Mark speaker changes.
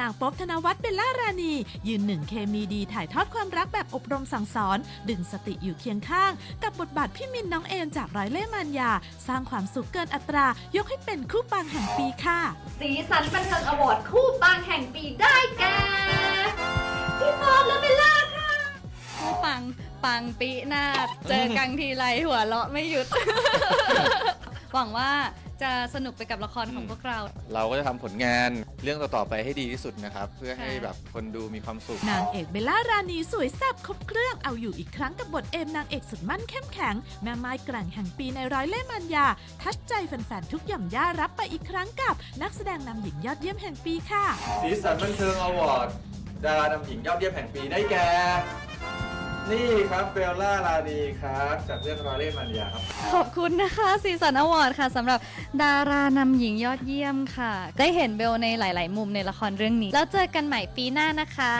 Speaker 1: างป๊อบธนวัฒน์เบลล่ารานียืนหนึ่งเคมีดีถ่ายทอดความรักแบบอบรมสั่งสอนดึงสติอยู่เคียงข้างกับบทบาทพี่มินน้องเอมจากร้อยเล่ห์มารยาสร้างความสุขเกินอัตรายกให้เป็นคู่ปังแห่งปีค่ะ
Speaker 2: สีสันบันเทิงอวอร์ดคู่ปังแห่งปีได้แก่พี่ป๊อบและเบลล่าค่ะ
Speaker 3: คู่ปังปีหน้าเจอกันทีไรหัวเราะไม่หยุด หวังว่าจะสนุกไปกับละครของพวกเรา
Speaker 4: ก็จะทำผลงานเรื่องต่อๆไปให้ดีที่สุดนะครับเพื่อให้แบบคนดูมีความสุข
Speaker 1: นางเอกเบลล่ารานีสวยแซ่บครบเครื่องเอาอยู่อีกครั้งกับบทเอมนางเอกสุดมั่นเข้มแข็งแม่ไม้แกร่งแห่งปีในร้อยเล่ห์มารยาทัชใจแฟนๆทุกหย่อมย่ารับไปอีกครั้งกับนักแสดงนำหญิงยอดเยี่ยมแห่งปีค่ะ
Speaker 4: สีสันบันเทิงอวอร์ดดารานำหญิงยอดเยี่ยมแห่งปีได้แก่นี่ครับเบลล่ารานีครับจากเรื่องร้อยเล่ห์มารยาครับ
Speaker 3: ขอบคุณนะคะสีสันอวอร์ดค่ะสำหรับดารานำหญิงยอดเยี่ยมค่ะได้เห็นเบลในหลายๆมุมในละครเรื่องนี้แล้วเจอกันใหม่ปีหน้านะคะ